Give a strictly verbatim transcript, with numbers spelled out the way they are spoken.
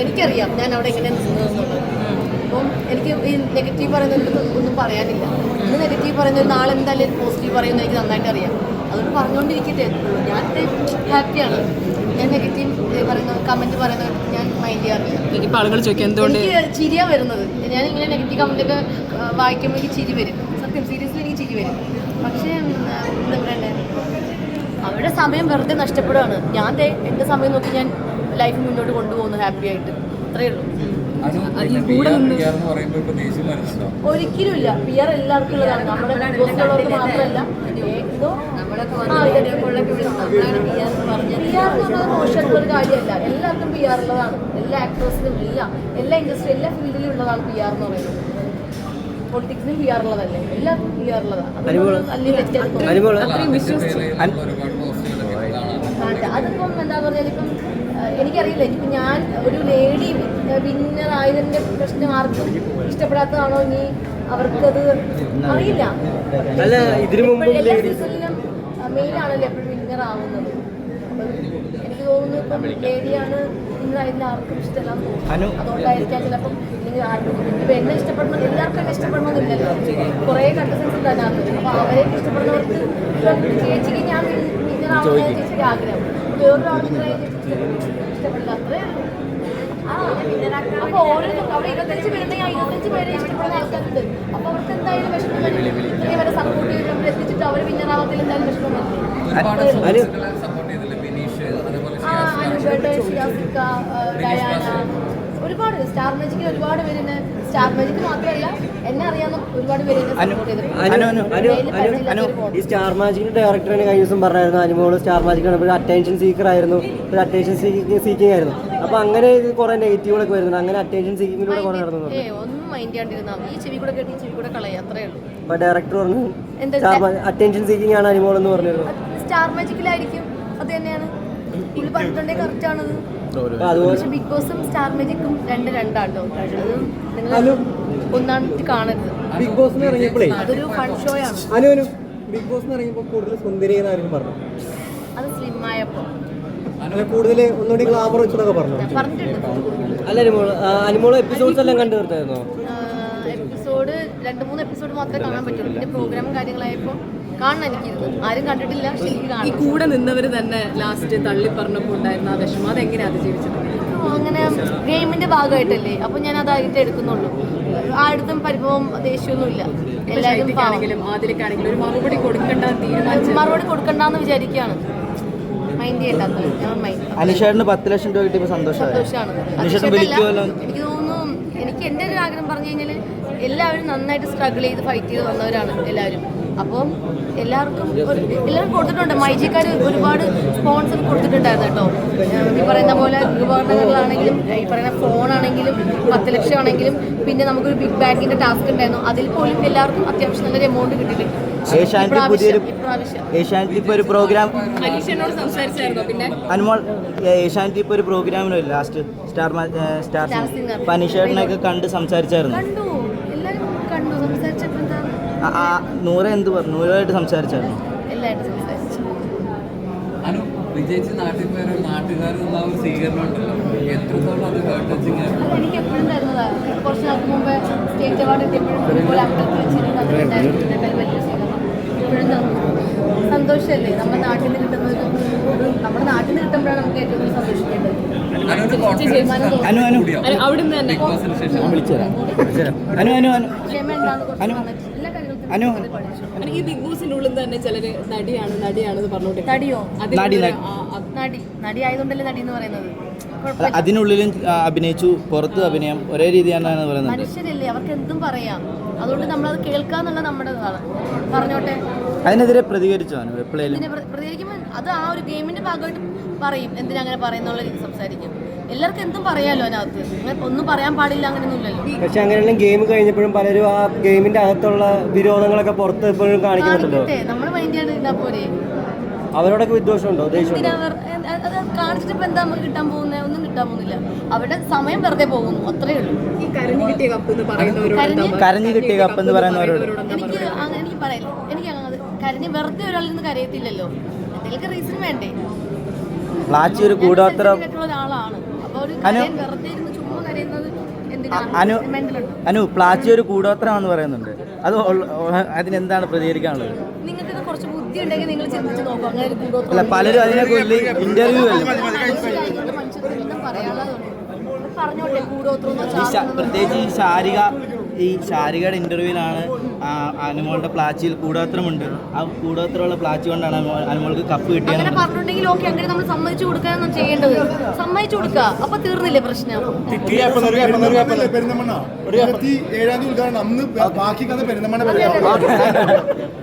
എനിക്കറിയാം ഞാൻ അവിടെ എങ്ങനെ നിന്നതെന്നുള്ളത്. അപ്പം എനിക്ക് ഈ നെഗറ്റീവ് പറയുന്നതിൽ ഒന്നും പറയാനില്ല. ഇന്ന് നെഗറ്റീവ് പറയുന്നത് നാളെ എന്തായാലും പോസിറ്റീവ് പറയുന്നത് എനിക്ക് നന്നായിട്ട് അറിയാം. അതുകൊണ്ട് പറഞ്ഞുകൊണ്ടിരിക്കട്ടെ. ഞാൻ ഹാപ്പിയാണ്. ഞാൻ നെഗറ്റീവ് പറയുന്ന കമൻറ്റ് പറയുന്നത് ഞാൻ മൈൻഡ് ചെയ്യാറില്ല. എനിക്കിപ്പോൾ ആളുകൾ ചോദിക്കും എന്തുകൊണ്ട് എനിക്ക് ചിരിയാണ് വരുന്നത്. ഞാൻ ഇങ്ങനെ നെഗറ്റീവ് കമൻറ്റൊക്കെ വായിക്കുമ്പോൾ എനിക്ക് ചിരി വരും. സത്യം സീരിയസ്ലി എനിക്ക് ചിരി വരും. പക്ഷേ എന്താ പറയണ്ടേ, അവരുടെ സമയം വെറുതെ നഷ്ടപ്പെടുകയാണ്. ഞാൻ ദേ എൻ്റെ സമയം നോക്കി ഞാൻ ലൈഫ് മുന്നോട്ട് കൊണ്ടുപോകുന്നു ഹാപ്പി ആയിട്ട്. അത്രയേ ഉള്ളൂ. ഒരിക്കലും ഇല്ല. പി ആർ എല്ലാവർക്കും ഉള്ളതാണ്. നമ്മുടെ ഉള്ളവർക്ക് മാത്രമല്ല. പി ആർ എന്ന് പറഞ്ഞാൽ മോശമായിട്ടുള്ള ഒരു കാര്യമല്ല. എല്ലാവർക്കും പി ആർ ഉള്ളതാണ്. എല്ലാ ആക്ടേഴ്സിനും എല്ലാം എല്ലാ ഇൻഡസ്ട്രി എല്ലാ ഫീൽഡിലും ഉള്ളതാണ് പി ആർ എന്ന് പറയുന്നത്. പൊളിറ്റിക്സിനും പി ആർ ഉള്ളതല്ലേ, എല്ലാം പി ആർ ഉള്ളതാണ്. അതിപ്പം എന്താ പറഞ്ഞാൽ ഇപ്പം എനിക്കറിയില്ല. ഇപ്പം ഞാൻ ഒരു ലേഡി വിന്നർ ആയതിൻ്റെ പ്രശ്നം ആർക്കും ഇഷ്ടപ്പെടാത്തതാണോ ഇനി അവർക്കത് അറിയില്ല. എല്ലാ സീസണിലും മെയിനാണല്ലോ എപ്പോഴും വിന്നർ ആവുന്നത്. എനിക്ക് തോന്നുന്നു ഇപ്പം ലേഡിയാണ് വിന്നർ ആയതിൽ ആർക്കും ഇഷ്ടമല്ലാന്ന് തോന്നുന്നു. അതുകൊണ്ടായിരിക്കാം ചിലപ്പം ഇല്ലെങ്കിൽ ആർക്കും ഇപ്പം എന്നെ ഇഷ്ടപ്പെടണം എല്ലാവർക്കും എന്നെ ഇഷ്ടപ്പെടണമെന്നില്ലല്ലോ. കുറേ കണ്ടസ്റ്റൻസ് ഉണ്ട് അതിനകത്ത്. അപ്പോൾ അവരെ ഇഷ്ടപ്പെടുന്നവർക്ക് ചേച്ചിക്ക് ഞാൻ വിന്നർ ആവുന്ന ചേച്ചിക്ക് ആഗ്രഹം. വേറൊരാൾ വിന്നർ ആയ ചേച്ചിക്ക് ഇഷ്ടപ്പെടില്ല. അത്രേ അപ്പൊ ഓരോരുത്തരും അവിടെ ഇരുപത്തഞ്ച് പേരുണ്ടെങ്കിൽ ഇരുപത്തഞ്ച് പേരെ ഇഷ്ടപ്പെടുന്ന ആൾക്കാരുണ്ട്. അപ്പൊ അവർക്ക് എന്തായാലും വിഷമം വരും. ഇല്ലെങ്കിൽ അവരെ സപ്പോർട്ട് ചെയ്ത് നമ്മൾ എത്തിച്ചിട്ട് അവർ വിന്നറാവത്തിൽ എന്തായാലും വിഷമം വരും. ഡയാന ഒരുപാട് സ്റ്റാർ മാജിക്കിൽ ഒരുപാട് പേര് എന്നെ സ്റ്റാർ മാജിക്ക് മാത്രമല്ല എന്നെ അറിയാവുന്ന ഒരുപാട് പേര് എന്നെ സപ്പോർട്ട് ചെയ്തിട്ടുണ്ട്. ഈ സ്റ്റാർ മാജിക്കിന്റെ ഡയറക്ടറിന് കഴിഞ്ഞ ദിവസം പറഞ്ഞായിരുന്നു അനുമോള് സ്റ്റാർ മാജിക്കാണ് ഒരു അറ്റൻഷൻ സീക്കർ ആയിരുന്നു, ഒരു അറ്റൻഷൻ സീക്കിംഗ് ആയിരുന്നു. അപ്പൊ അങ്ങനെ കുറെ നെഗറ്റീവുകളൊക്കെ വരുന്നുണ്ട്. അങ്ങനെ അറ്റൻഷൻ സീക്കിങ്ങിലൂടെ കുറെ നടന്നു. ഒന്നും മൈൻഡ് ചെയ്യാണ്ടിരുന്നാൽ ഈ ചെവി കൂടെ കേട്ടി ഈ ചെവി കൂടെ കളയാ, അത്രേ ഉള്ളൂ. അപ്പൊ ഡയറക്ടർ പറഞ്ഞു അറ്റൻഷൻ സീക്കിംഗ് ആണ് അനുമോൾ എന്ന് പറഞ്ഞിരുന്നു. സ്റ്റാർ മാജിക്കിലായിരിക്കും, അത് തന്നെയാണ് പുള്ളി പറഞ്ഞിട്ടുണ്ടെങ്കിൽ കറക്റ്റ് ആണത്. പക്ഷെ ബിഗ് ബോസും സ്റ്റാർ മാജിക്കും രണ്ട് രണ്ടാട്ടോ. അത് നിങ്ങൾ ഒന്നാണിട്ട് കാണരുത്. ബിഗ് ബോസ് ഇറങ്ങിയപ്പോഴേ അതൊരു ഫൺ ഷോ ആണ്. അനു ബിഗ് ബോസ് ഇറങ്ങിയപ്പോൾ കൂടുതൽ സുന്ദരി എന്നായിരുന്നു പറഞ്ഞു. അത് സ്ലിം ആയപ്പോ കൂടുതൽ ഒന്നുകൂടി ഗ്ലാമർ വെച്ചതൊക്കെ പറഞ്ഞു പറഞ്ഞിട്ടുണ്ട്. അല്ല അനുമോള് എപ്പിസോഡ്സ് എല്ലാം കണ്ടു തീർത്തായിരുന്നോ? എപ്പിസോഡ് രണ്ട് മൂന്ന് എപ്പിസോഡ് മാത്രമേ കാണാൻ പറ്റുള്ളൂ. പിന്നെ പ്രോഗ്രാമും കാര്യങ്ങളായപ്പോൾ കാണണം എനിക്കിരുന്നു. ആരും കണ്ടിട്ടില്ല. ഈ കൂടെ നിന്നവർ തന്നെ ലാസ്റ്റ് തള്ളി പറഞ്ഞപ്പോൾ ഉണ്ടായിരുന്ന ആ വിഷമം അതെങ്ങനെ അതിജീവിച്ചത്? അങ്ങനെ ഗെയിമിന്റെ ഭാഗമായിട്ടല്ലേ, അപ്പൊ ഞാൻ അതായിട്ട് എടുക്കുന്നുള്ളൂ. ആടുത്തും പരിഭവം ദേഷ്യമൊന്നുമില്ല. എല്ലാവരും ആദ്യക്കാണെങ്കിലും ഒരു മറുപടി കൊടുക്കണ്ട തീരുമാനിച്ചു മറുപടി കൊടുക്കണ്ടെന്ന് വിചാരിക്കുകയാണ്. മൈൻഡ് ചെയ്യണ്ടാത്ത ഞാൻ മൈൻഡ്. അനിഷേട്ടന് പത്ത് ലക്ഷം രൂപ കിട്ടിയപ്പോൾ സന്തോഷമാണ്. എനിക്ക് തോന്നുന്നു എനിക്ക് എൻ്റെ ഒരു ആഗ്രഹം പറഞ്ഞു കഴിഞ്ഞാൽ എല്ലാവരും നന്നായിട്ട് സ്ട്രഗിൾ ചെയ്ത് ഫൈറ്റ് ചെയ്ത് വന്നവരാണ് എല്ലാവരും. അപ്പം എല്ലാവർക്കും എല്ലാവരും കൊടുത്തിട്ടുണ്ട്. മൈജിക്കാർ ഒരുപാട് സ്പോൺസർ കൊടുത്തിട്ടുണ്ടായിരുന്നു കേട്ടോ. ഈ പറയുന്ന പോലെ ഉപകരണങ്ങളാണെങ്കിലും ഈ പറയുന്ന ഫോണാണെങ്കിലും പത്ത് ലക്ഷം ആണെങ്കിലും പിന്നെ നമുക്കൊരു ബിഗ് ബാങ്കിന്റെ ടാസ്ക് ഉണ്ടായിരുന്നു. അതിൽ പോലും എല്ലാവർക്കും അത്യാവശ്യം നല്ലൊരു എമൗണ്ട് കിട്ടിയിട്ടുണ്ട്. ഏഷ്യാനെറ്റ് ഇപ്പോൾ ഒരു പ്രോഗ്രാം അനീഷനോട് സംസാരിച്ചായിരുന്നോ? പിന്നെ അനുമോൾ ഏഷ്യാനെറ്റ് ഇപ്പോൾ ഒരു പ്രോഗ്രാമിനോ ലാസ്റ്റ് സ്റ്റാർ സ്റ്റാർ അനീഷേട്ടനൊക്കെ കണ്ട് സംസാരിച്ചായിരുന്നു. കണ്ടു, എല്ലാവരും കണ്ടു. സംസാരിച്ചപ്പോൾ എന്താണ് നൂറ് എന്ത് പറഞ്ഞു? നൂറായിട്ട് സംസാരിച്ചായിരുന്നു. എല്ലാവരും സംസാരിച്ചു. വിജയിച്ച് നാട്ടിൽ പോയാൽ നാട്ടുകാരിൽ സ്വീകരണം ഉണ്ടല്ലോ, എത്രത്തോളം അത് ഹേർട്ട് ടച്ചിങ് ആണ്? എനിക്ക് എപ്പോഴും തരുന്നതാണ്. കുറച്ച് നാൾക്ക് മുമ്പ് സ്റ്റേറ്റ് അവാർഡ് കിട്ടിയപ്പോഴും ഇതുപോലെ അമ്പലത്തിൽ വെച്ചിരുന്നു. അതിലുണ്ടായിരുന്നു വലിയ സ്വീകരണം. ഇപ്പോഴും തന്നു. സന്തോഷമല്ലേ നമ്മുടെ നാട്ടിൽ നിന്ന് കിട്ടുന്നത്? നമ്മുടെ നാട്ടിൽ നിന്ന് കിട്ടുമ്പോഴാണ് നമുക്ക് ഏറ്റവും കൂടുതൽ സന്തോഷിക്കേണ്ടത്. അവിടുന്ന് തന്നെ ഈ ബിഗ് ബോസിന്റെ ഉള്ളിൽ തന്നെ ചിലര് നടിയാണ് നടിയാണെന്ന് പറഞ്ഞോട്ടെ. നടിയോ? നടി നടി ആയതുകൊണ്ടല്ലേ നടി എന്ന് പറയുന്നത്. അതിനുള്ളിലും അഭിനയിച്ചു, പുറത്ത് അഭിനയം ഒരേ രീതിയാണ് പറയുന്നത്. മനുഷ്യരല്ലേ, അവർക്ക് എന്തും പറയാം. അതുകൊണ്ട് നമ്മളത് കേൾക്കാന്നുള്ള നമ്മുടെ പറഞ്ഞോട്ടെ. അതിനെതിരെ പ്രതികരിച്ചോ? പ്രതികരിക്കുമ്പോൾ അത് ആ ഒരു ഗെയിമിന്റെ ഭാഗമായിട്ട് പറയും. എന്തിനാ അങ്ങനെ പറയുന്നുള്ള രീതി സംസാരിക്കും. എല്ലാവർക്കും എന്തും പറയാലോ അതിനകത്ത്. അങ്ങനെ ഒന്നും പറയാൻ പാടില്ല അങ്ങനെയൊന്നുമില്ലല്ലോ. പക്ഷെ അങ്ങനെയുള്ള ഗെയിം കഴിഞ്ഞപ്പോഴും പലരും ആ ഗെയിമിന്റെ അകത്തുള്ള വിരോധങ്ങളൊക്കെ പുറത്ത് എപ്പോഴും കാണിക്കുന്നുണ്ടല്ലോ. നമ്മൾ മൈൻഡ് ചെയ്താൽ പോരെ. അവരോടൊക്കെ വിദ്വേഷമുണ്ടോ? അത് കാണിച്ചിട്ട് ഇപ്പൊ എന്താ നമുക്ക് കിട്ടാൻ പോകുന്നത്? ഒന്നും കിട്ടാൻ പോകുന്നില്ല. അവരുടെ സമയം വെറുതെ പോകുന്നു, അത്രേ ഉള്ളൂ. ഈ കരഞ്ഞു കിട്ടിയ കപ്പ് എന്ന് പറയുന്നവരോട് കരഞ്ഞു കിട്ടിയ കപ്പ് എന്ന് പറയുന്നവരോട് എനിക്ക് അങ്ങനെ എനിക്ക് പറയില്ല. എനിക്ക് അങ്ങനെ കരഞ്ഞ് വെറുതെ ഒരാളിൽ നിന്ന് കരയത്തില്ലല്ലോ. എന്തെങ്കിലും റീസൺ വേണ്ടേ? ഒരു കൂടോത്രം ഒരാളാണ്. അപ്പൊ ഒരു കരയാൻ വെറുതെ ഇരുന്ന് ചുമ്മാ കരയുന്നത് എന്തിനാ? അനു Mental ഉണ്ടോ? അനു പ്ലാച്ചി ഒരു കൂടോത്രമാണെന്ന് പറയുന്നുണ്ട്. അത് ഉള്ള- അതിനെന്താണ് പ്രതികരിക്കാനുള്ളത്? നിങ്ങൾക്ക് ഇത് കുറച്ച് ബുദ്ധി ഉണ്ടെങ്കിൽ നിങ്ങൾ ചിന്തിച്ച് നോക്കും. അങ്ങനെ ഒരു അല്ല, കൂടോത്രം പലരും അതിനെക്കുറിച്ച് ഇന്റർവ്യൂ അല്ലേ മനുഷ്യർക്കൊന്നും പറയാനുള്ളതുണ്ട്. പറഞ്ഞോട്ടെ, കൂടോത്രം ഈ ശ- പ്രത്യേകിച്ച് ഈ ശാരിക ഈ ശാരികയുടെ ഇന്റർവ്യൂവിലാണ് അനുമോളുടെ പ്ലാച്ചിയിൽ കൂടോത്രമുണ്ട്. ആ കൂടോത്രമുള്ള പ്ലാച്ചി കൊണ്ടാണ് അനുമോൾ- അനുമോൾക്ക് കപ്പ് അങ്ങനെ കിട്ടിയത്. പറഞ്ഞിട്ടുണ്ടെങ്കിൽ ഓക്കെ, അങ്ങനെ നമ്മൾ സമ്മതിച്ചു കൊടുക്കാനൊന്നും ചെയ്യേണ്ടത്. സമ്മതിച്ചു കൊടുക്കുക, അപ്പൊ തീർന്നില്ലേ പ്രശ്നം? പെരുന്തമണ്ണ ഒരു ഇരുപത്തി ഏഴാം തീയതി ഉദ്ഘാടനം. അന്ന് ബാക്കി കഥ പെരുന്തമണ്ണ